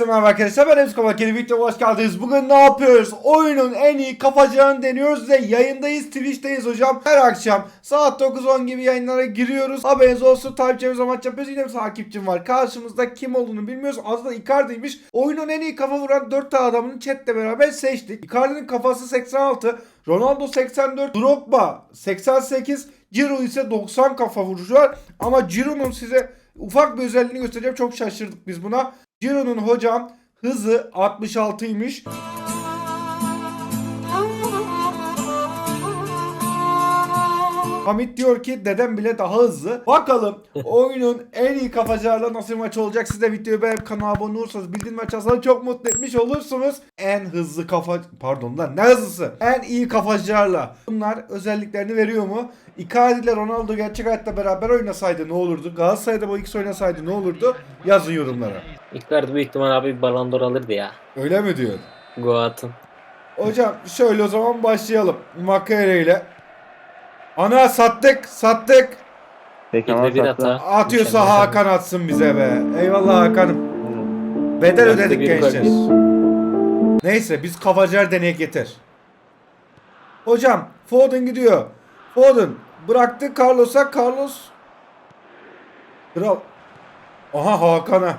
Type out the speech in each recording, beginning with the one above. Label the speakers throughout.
Speaker 1: merhaba arkadaşlar, ben Emre Kapak, yeni videoya hoş geldiniz. Bugün ne yapıyoruz? Oyunun en iyi kafacağını deniyoruz ve yayındayız, Twitch'teyiz hocam. Her akşam saat 9-10 gibi yayınlara giriyoruz. Haberiniz olsun, takipçimize maç yapıyoruz. Yine bir takipçim var. Karşımızda kim olduğunu bilmiyoruz. Adı da Icardi'ymiş. Oyunun en iyi kafa vuran 4 tane adamını chatle beraber seçtik. Icardi'nin kafası 86, Ronaldo 84, Drogba 88, Ciro ise 90 kafa vuruşu var. Ama Ciro'nun size ufak bir özelliğini göstereceğim. Çok şaşırdık biz buna. Ciro'nun hocam hızı 66'ymış. Hamit diyor ki dedem bile daha hızlı. Bakalım oyunun en iyi kafacılarla nasıl bir maç olacak. Siz de videoyu beğenip kanala abone olursanız, bildirim açarsanız çok mutlu etmiş olursunuz. En hızlı pardon lan ne hızlısı? En iyi kafacılarla. Bunlar özelliklerini veriyor mu? Icardi ile Ronaldo gerçek hayatta beraber oynasaydı ne olurdu? Galatasaray'da bu ikisi oynasaydı ne olurdu? Yazın yorumlara.
Speaker 2: Icardi büyük ihtimal abi bir Ballon d'Or alırdı ya.
Speaker 1: Öyle mi diyor?
Speaker 2: Goat'ın.
Speaker 1: Hocam şöyle o zaman başlayalım. Makere ile. Ana sattık.
Speaker 3: Peki
Speaker 2: Bir
Speaker 3: ama
Speaker 2: de bir
Speaker 3: sakla.
Speaker 2: hata.
Speaker 1: Atıyorsa
Speaker 2: Mükemmel.
Speaker 1: Hakan atsın bize be. Eyvallah Hakan'ım. Bedel
Speaker 2: Dakika
Speaker 1: ödedik
Speaker 2: bir
Speaker 1: gençler.
Speaker 2: gol.
Speaker 1: Neyse biz kafacar deneyek yeter. Hocam Foden gidiyor. Foden bıraktı Carlos'a. Carlos. Kral. Aha Hakan'a.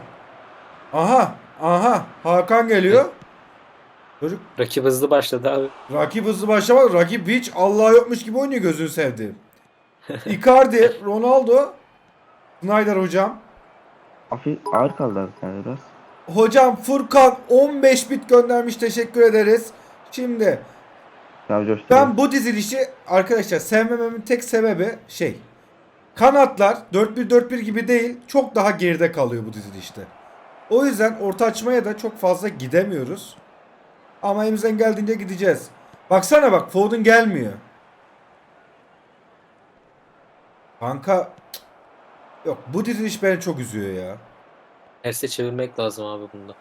Speaker 1: Aha Hakan geliyor. Çocuk
Speaker 2: Rakip hızlı başladı abi.
Speaker 1: rakip hızlı başlamadı. Rakip hiç Allah yokmuş gibi oynuyor, gözünü sevdiğim. Icardi, Ronaldo, Snyder hocam.
Speaker 3: Hafif ağır kaldı abi sen biraz.
Speaker 1: Hocam Furkan 15 bit göndermiş, teşekkür ederiz. Şimdi
Speaker 3: Daha coştu.
Speaker 1: ben bu dizilişi arkadaşlar sevmememin tek sebebi kanatlar 4-1-4-1 gibi değil, çok daha geride kalıyor bu dizilişte. O yüzden orta açmaya da çok fazla gidemiyoruz. Ama elimizden geldiğince gideceğiz. Baksana bak, Foden gelmiyor. Kanka yok, bu diziliş beni çok üzüyor ya.
Speaker 2: Terse çevirmek lazım abi bunda.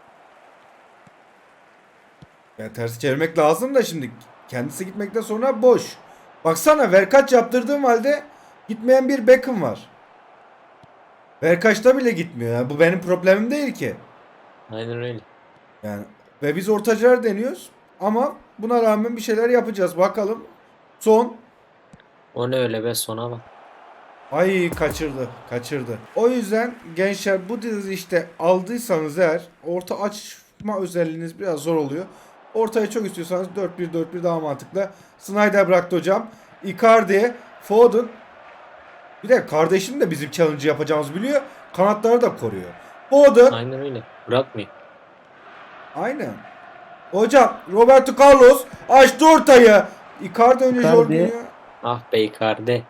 Speaker 1: Ya tersi çevirmek lazım da şimdi kendisi gitmekten sonra boş. Baksana, verkaç yaptırdığım halde gitmeyen bir Beckham var. Verkaçta bile gitmiyor. Yani bu benim problemim değil ki.
Speaker 2: Aynen öyle.
Speaker 1: Yani ve biz ortacılar deniyoruz ama buna rağmen bir şeyler yapacağız. Bakalım. Son.
Speaker 2: O ne öyle be, sona bak.
Speaker 1: Ay kaçırdı. O yüzden gençler, bu dizi işte aldıysanız eğer orta açma özelliğiniz biraz zor oluyor. Ortaya çok istiyorsanız 4-1-4-1 daha mantıklı. Snyder bıraktı hocam. Icardi, Foden. Bir de kardeşim de bizim challenge yapacağımızı biliyor. Kanatları da koruyor. Foden.
Speaker 2: Aynen öyle. Bırakmıyor.
Speaker 1: Aynen. Hocam Roberto Carlos açtı ortayı. Icardi önce
Speaker 3: Icardi.
Speaker 1: Jorginho.
Speaker 2: Ah be Icardi.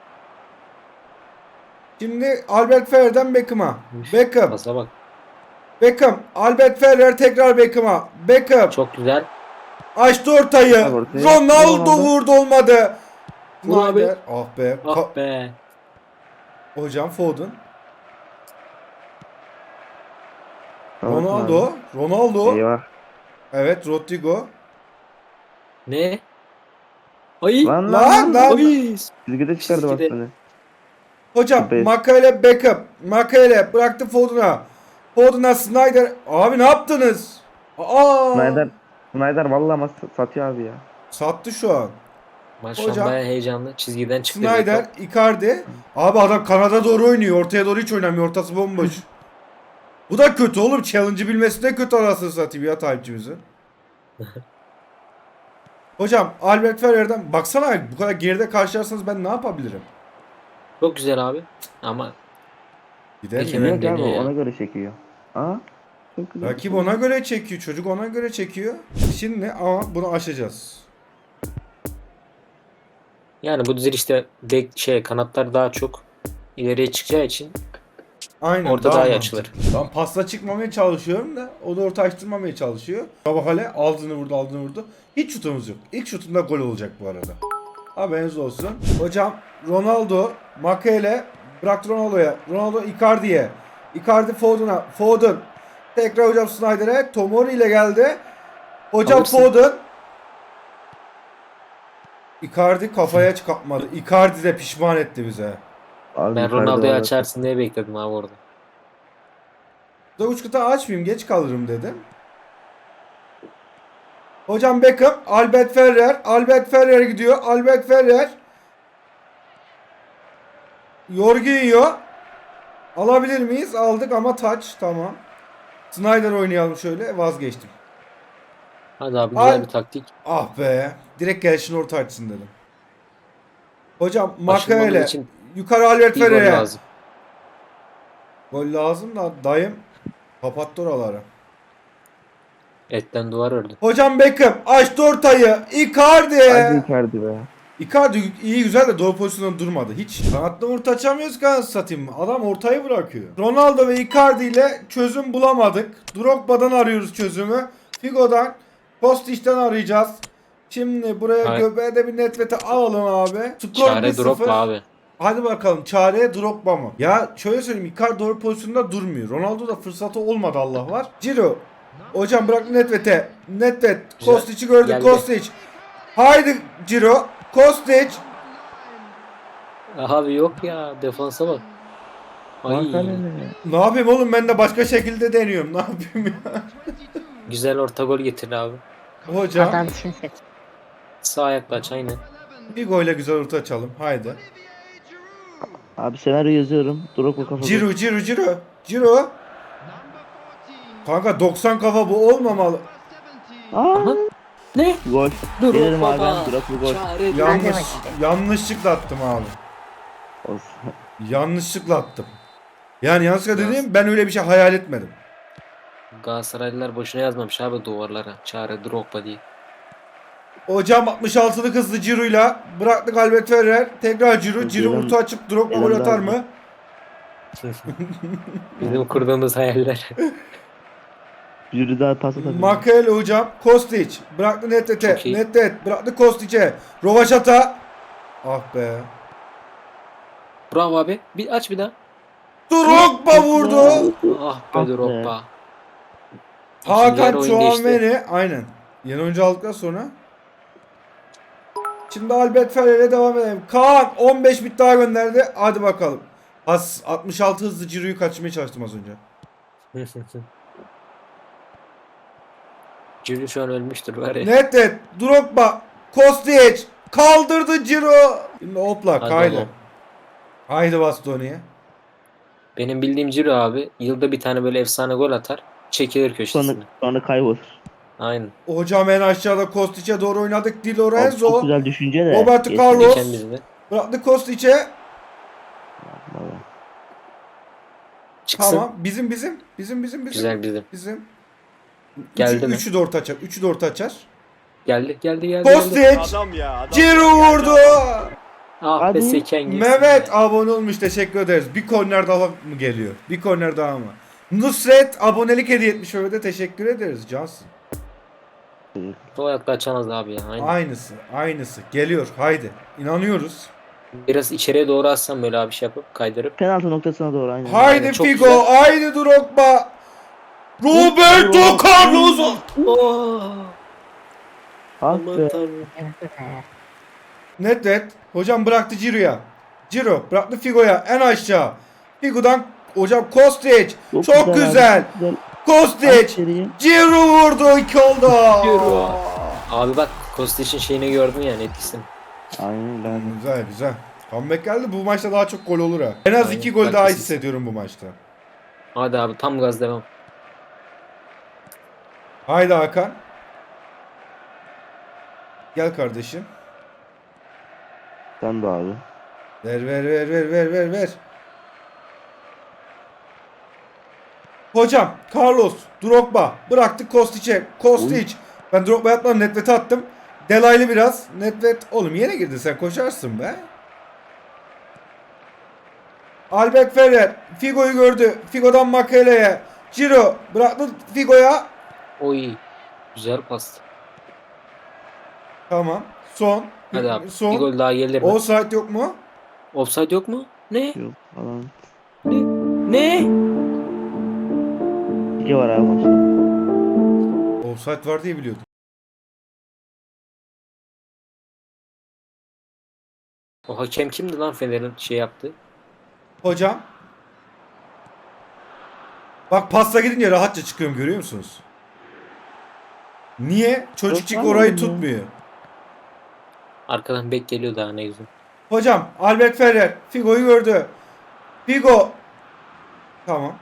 Speaker 1: Şimdi Albert Ferrer'den Beckham'a. Beckham.
Speaker 2: Pasa bak.
Speaker 1: Beckham. Albert Ferrer tekrar Beckham'a. Beckham.
Speaker 2: Çok güzel.
Speaker 1: Açtı ortayı.
Speaker 3: Ortaya.
Speaker 1: Ronaldo vurdu, olmadı.
Speaker 2: Vur abi.
Speaker 1: Snyder. Ah be.
Speaker 2: Ah be.
Speaker 1: Hocam Foden.
Speaker 3: Tamam
Speaker 1: Ronaldo.
Speaker 3: abi.
Speaker 1: Ronaldo.
Speaker 3: Eyvah.
Speaker 1: Evet, Rodrigo.
Speaker 2: Ne? Ay.
Speaker 1: Lan.
Speaker 2: Ay.
Speaker 3: Çizgide çıkardı bak
Speaker 2: Çizgide.
Speaker 3: beni.
Speaker 1: Hocam
Speaker 3: Be-
Speaker 1: Makale Beckham. Makale bıraktı Foden'a. Foden'a Snyder. Abi ne yaptınız? Aa!
Speaker 3: Snyder vallahi ama satıyor abi ya.
Speaker 1: Sattı şu an.
Speaker 2: Maç şu an
Speaker 1: Hocam.
Speaker 2: bayağı heyecanlı. Çizgiden çıktı.
Speaker 1: Snyder, Icardi. Abi adam kanada doğru oynuyor. Ortaya doğru hiç oynamıyor. Ortası bomboş. Bu da kötü oğlum. Challenge'ı bilmesi de kötü, arasını satayım ya takipçimizin. Hocam Albert Ferrer'den baksana, bu kadar geride karşılarsanız ben ne yapabilirim?
Speaker 2: Çok güzel abi. Ama
Speaker 1: Gidemiyor.
Speaker 2: Peki, Hemen
Speaker 3: Yok abi
Speaker 2: deniyor ya.
Speaker 3: ona göre çekiyor. Aa. Çok güzel.
Speaker 1: Rakip ona göre çekiyor. Çocuk ona göre çekiyor. Şimdi ama bunu aşacağız.
Speaker 2: yani bu dizilişte kanatlar daha çok ileriye çıkacağı için
Speaker 1: Aynen.
Speaker 2: orta daha iyi
Speaker 1: mantıklı.
Speaker 2: açılır.
Speaker 1: Ben pasta çıkmamaya çalışıyorum da o da orta açtırmamaya çalışıyor. Kabahale aldığını vurdu. Hiç şutumuz yok. İlk şutumda gol olacak bu arada. Haberiniz olsun. Hocam Ronaldo, Makele bıraktı Ronaldo'ya. Ronaldo Icardi'ye. Icardi Foden'a. Foden. Tekrar hocam Snyder'e. Tomori ile geldi. Hocam
Speaker 2: Alırsın.
Speaker 1: Foden. Icardi kafaya çıkartmadı. Icardi de pişman etti bize.
Speaker 3: Abi
Speaker 2: Ben
Speaker 3: yukarıda
Speaker 2: Ronaldo'yu
Speaker 3: var.
Speaker 2: açarsın diye bekledim abi orada.
Speaker 1: Da uç kıta açmayayım, geç kalırım dedim. Hocam Beckham, Albert Ferrer. Albert Ferrer gidiyor. Albert Ferrer. Jorginho. Alabilir miyiz? Aldık ama touch. Tamam. Snyder oynayalım şöyle. Vazgeçtim.
Speaker 2: Hadi abi güzel bir taktik.
Speaker 1: Ah be. Direkt gelişin orta açsın dedim. Hocam
Speaker 2: Aşılmamız
Speaker 1: Makayele.
Speaker 2: için
Speaker 1: Yukarı Albert
Speaker 2: bir gol
Speaker 1: Ferrer'e.
Speaker 2: lazım.
Speaker 1: Gol lazım da dayım kapattı oraları.
Speaker 2: Etten duvar ördü.
Speaker 1: Hocam Beckham açtı ortayı. Icardi.
Speaker 3: Hadi Icardi be.
Speaker 1: Icardi iyi güzel de doğru pozisyonda durmadı. Hiç kanatlı orta açamıyoruz ki anasını satayım. Adam ortayı bırakıyor. Ronaldo ve Icardi ile çözüm bulamadık. Drogba'dan arıyoruz çözümü. Figo'dan, Kostic'ten arayacağız. Şimdi buraya
Speaker 2: Hayır.
Speaker 1: göbeğe de bir netvete alalım abi. Skor
Speaker 2: Çare
Speaker 1: 1-0.
Speaker 2: Drogba abi.
Speaker 1: Hadi bakalım çare Drogba mı? Ya şöyle söyleyeyim, Icardi doğru pozisyonda durmuyor. Ronaldo da fırsatı olmadı Allah var. Ciro. Hocam bırak Nedved'e. Nedved.
Speaker 2: Güzel.
Speaker 1: Kostic'i gördü.
Speaker 2: Geldi.
Speaker 1: Kostic. Haydi Ciro. Kostic.
Speaker 2: Abi yok ya, defansa bak. Ay,
Speaker 3: Makale.
Speaker 1: Ne yapayım oğlum, ben de başka şekilde deniyorum. Ne yapayım ya?
Speaker 2: güzel orta gol getir abi.
Speaker 1: Hocam
Speaker 4: Adamsın sen.
Speaker 2: Sağ ayakla aç aynen.
Speaker 1: bir golle güzel orta açalım. Haydi.
Speaker 3: Abi senaryo yazıyorum. Drogba kafa.
Speaker 1: Ciro, Ciro, Ciro. Ciro. Kanka 90 kafa bu olmamalı.
Speaker 3: Aa,
Speaker 2: Aha. Ne?
Speaker 3: gol.
Speaker 2: Drogba.
Speaker 3: Gelirim abi ben. Drogba gol.
Speaker 2: Çare
Speaker 1: Yanlış,
Speaker 4: bakayım.
Speaker 1: yanlışlıkla attım abi.
Speaker 3: Olsun.
Speaker 1: Yanlışlıkla attım. Yani yanlışlıkla dediğim, ben öyle bir şey hayal etmedim.
Speaker 2: Galatasaraylılar boşuna yazmamış abi duvarlara. Çare Drogba diye.
Speaker 1: Hocam 66'lık hızlı Ciro'yla bıraktık Albert Ferrer. Tekrar Ciro. Ciro
Speaker 3: Gelen-
Speaker 1: orta açıp Drogba gol
Speaker 3: gelen
Speaker 1: atar
Speaker 3: daha-
Speaker 1: mı?
Speaker 2: Bizim kurduğumuz hayaller.
Speaker 3: Yürü daha pas atabilir.
Speaker 1: Makel hocam. Kostic. Bıraktı Nedved'e.
Speaker 2: Çok iyi.
Speaker 1: Nedved. Bıraktı Kostic'e. Rovaşata. Ah be.
Speaker 2: Bravo abi. Bir aç bir daha.
Speaker 1: Drogba vurdu.
Speaker 2: Ah
Speaker 3: Ah
Speaker 2: be
Speaker 3: be.
Speaker 2: Drogba. İkinci
Speaker 1: Hakan
Speaker 2: yarı oyun değişti.
Speaker 1: Chouameni. Aynen. Yeni oyuncu aldıktan sonra. Şimdi Albert Ferrer'e devam edelim. Kaan 15 bit daha gönderdi. Hadi bakalım. 66 hızlı Ciro'yu kaçırmaya çalıştım az önce.
Speaker 2: Cülü şu an ölmüştür var ya.
Speaker 1: Nedved, Drogba, Kostic kaldırdı Ciro. Şimdi hopla
Speaker 2: Hadi
Speaker 1: kaydı.
Speaker 2: oğlum.
Speaker 1: Haydi Bastoni'ye.
Speaker 2: Benim bildiğim Ciro abi yılda bir tane böyle efsane gol atar. Çekilir
Speaker 3: Sonra,
Speaker 2: köşesine.
Speaker 3: sonra kaybolur.
Speaker 2: Aynen.
Speaker 1: Hocam en aşağıda Kostic'e doğru oynadık. Di
Speaker 3: Abi çok
Speaker 1: Lorenzo.
Speaker 3: güzel düşünce de.
Speaker 1: Roberto
Speaker 3: Geçti.
Speaker 1: Carlos.
Speaker 2: Diken bizde.
Speaker 1: Bıraktı Kostic'e.
Speaker 3: Vallahi.
Speaker 2: Çıksın.
Speaker 1: Tamam. Bizim.
Speaker 2: Güzel bizim.
Speaker 1: Bizim.
Speaker 2: Geldi mi?
Speaker 1: Üçü de orta açar. Üçü de orta açar.
Speaker 2: Geldi. Geldi.
Speaker 1: Kostic.
Speaker 5: Adam ya. Adam
Speaker 1: Ciro vurdu.
Speaker 2: Ah be
Speaker 3: Hadi.
Speaker 2: seken girsin.
Speaker 1: Mehmet abone olmuş. Teşekkür ederiz. Bir korner daha mı geliyor? Bir korner daha mı? Nusret abonelik hediye etmiş Mehmet'e. Teşekkür ederiz. Cansın.
Speaker 2: Sol ayakla açamaz abi ya. Aynen.
Speaker 1: Aynısı. Geliyor. Haydi. İnanıyoruz.
Speaker 2: Biraz içeriye doğru atsam böyle abi şey yapıp kaydırıp.
Speaker 3: Penaltı noktasına doğru aynen.
Speaker 1: Haydi
Speaker 2: çok
Speaker 1: Figo.
Speaker 2: güzel.
Speaker 1: Haydi Drogba. Roberto Carlos.
Speaker 2: Oh!
Speaker 3: Ah
Speaker 2: Aman
Speaker 3: be.
Speaker 2: tanrım.
Speaker 1: Nedved. Hocam bıraktı Ciro'ya. Ciro bıraktı Figo'ya. En aşağı. Figo'dan hocam Kostic. Çok güzel.
Speaker 3: Abi, çok güzel.
Speaker 1: Kostic.
Speaker 3: İçeriye.
Speaker 1: Ciro vurdu. 2 oldu.
Speaker 2: Ciro. Abi bak Kostic'in şeyini gördün yani etkisini.
Speaker 3: Aynen ben.
Speaker 1: Güzel. Comeback geldi. Bu maçta daha çok gol olur ha. En az
Speaker 2: Aynen.
Speaker 1: 2 gol daha
Speaker 2: Haklısın.
Speaker 1: hissediyorum bu maçta.
Speaker 2: Hadi abi tam gaz devam.
Speaker 1: Haydi Hakan. Gel kardeşim.
Speaker 3: Sen de abi.
Speaker 1: Ver. Hocam Carlos, Drogba bıraktık Kostic'e. Kostic. Ben Drogba'ya atmadım, Nedved'e attım. Delaylı biraz. Nedved oğlum yine girdin, sen koşarsın be. Albert Ferrer Figo'yu gördü. Figo'dan Makele'ye. Ciro bıraktı Figo'ya.
Speaker 2: Oy. Güzel pas.
Speaker 1: Tamam. Son.
Speaker 2: Hadi abi. Bir
Speaker 1: Son.
Speaker 2: gol daha gelir mi?
Speaker 1: Offside yok mu?
Speaker 2: Offside yok mu? Ne?
Speaker 3: Yok falan.
Speaker 2: Ne?
Speaker 3: İki var abi maçta.
Speaker 1: Offside var diye biliyordum.
Speaker 2: O hakem kimdi lan Fener'in şey yaptı?
Speaker 1: Hocam. Bak pasta gidince rahatça çıkıyorum, görüyor musunuz? Niye? Çocukçuk
Speaker 3: Yok,
Speaker 1: orayı
Speaker 3: anladım ya.
Speaker 1: tutmuyor.
Speaker 2: Arkadan bek geliyor daha ne güzel.
Speaker 1: Hocam Albert Ferrer Figo'yu gördü. Figo. Tamam.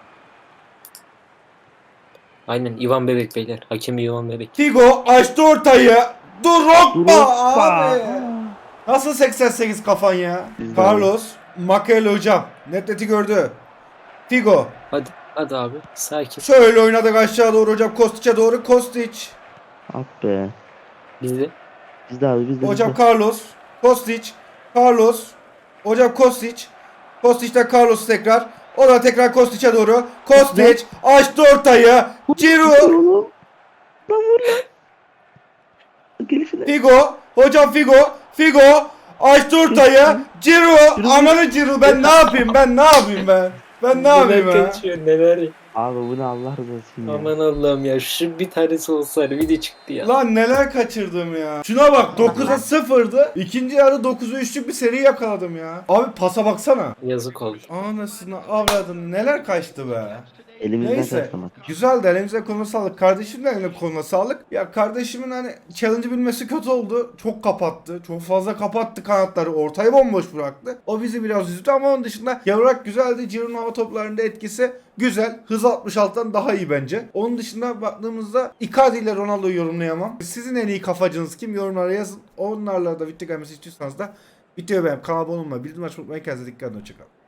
Speaker 2: Aynen Ivan Bebek beyler. Hakemi Ivan Bebek.
Speaker 1: Figo açtı ortayı. Drogba
Speaker 3: Drogba.
Speaker 1: abi. Nasıl 88 kafan ya?
Speaker 3: Biz de
Speaker 1: Carlos Makele hocam. Netleti gördü. Figo.
Speaker 2: Hadi hadi abi sakin.
Speaker 1: Şöyle oynadık aşağı doğru hocam. Kostic'e doğru. Kostic.
Speaker 3: Ah be.
Speaker 2: Bizde.
Speaker 3: Biz de abi biz de.
Speaker 1: Hocam
Speaker 3: biz de.
Speaker 1: Carlos. Kostic. Carlos. Hocam Kostic. Kostic'ten Carlos tekrar. O da tekrar Kostic'e doğru. Kostic açtı ortayı. Ciro.
Speaker 3: Oğlum. Lan vur lan. Gelişine.
Speaker 1: Figo. Hocam Figo. Figo. Açtı ortayı. Ciro. Amanı Ciro. Ben ne yapayım? Ben ne yapayım ben? Ben ne yapayım
Speaker 2: Neler
Speaker 1: ya?
Speaker 2: kaçıyor neler.
Speaker 3: Abi bu ne Allah razı olsun ya.
Speaker 2: Aman Allah'ım ya şu bir tanesi olsaydı video çıktı ya.
Speaker 1: Lan neler kaçırdım ya. Şuna bak 9'a 0'dı. İkinci yarı 9'a 3'lük bir seri yakaladım ya. Abi pasa baksana.
Speaker 2: Yazık oldu.
Speaker 1: Anasını avradını neler kaçtı be.
Speaker 3: Elimizden
Speaker 1: Neyse.
Speaker 3: kaçmamak.
Speaker 1: Güzel de elimize koluna sağlık. Kardeşim de eline koluna sağlık. Ya kardeşimin hani challenge'ı bilmesi kötü oldu. Çok kapattı. Çok fazla kapattı kanatları. Ortayı bomboş bıraktı. O bizi biraz üzdü ama onun dışında yavrak güzeldi. Ciro'nun hava toplarında etkisi güzel. Hız 66'dan daha iyi bence. Onun dışında baktığımızda Icardi ile Ronaldo'yu yorumlayamam. Sizin en iyi kafacınız kim? Yorumlara yazın. Onlarla da video gelmesi istiyorsanız da videoyu beğenip kanala abone olmayı, bildirim açmayı unutmayın. Kendinize dikkat edin. Hoşçakalın.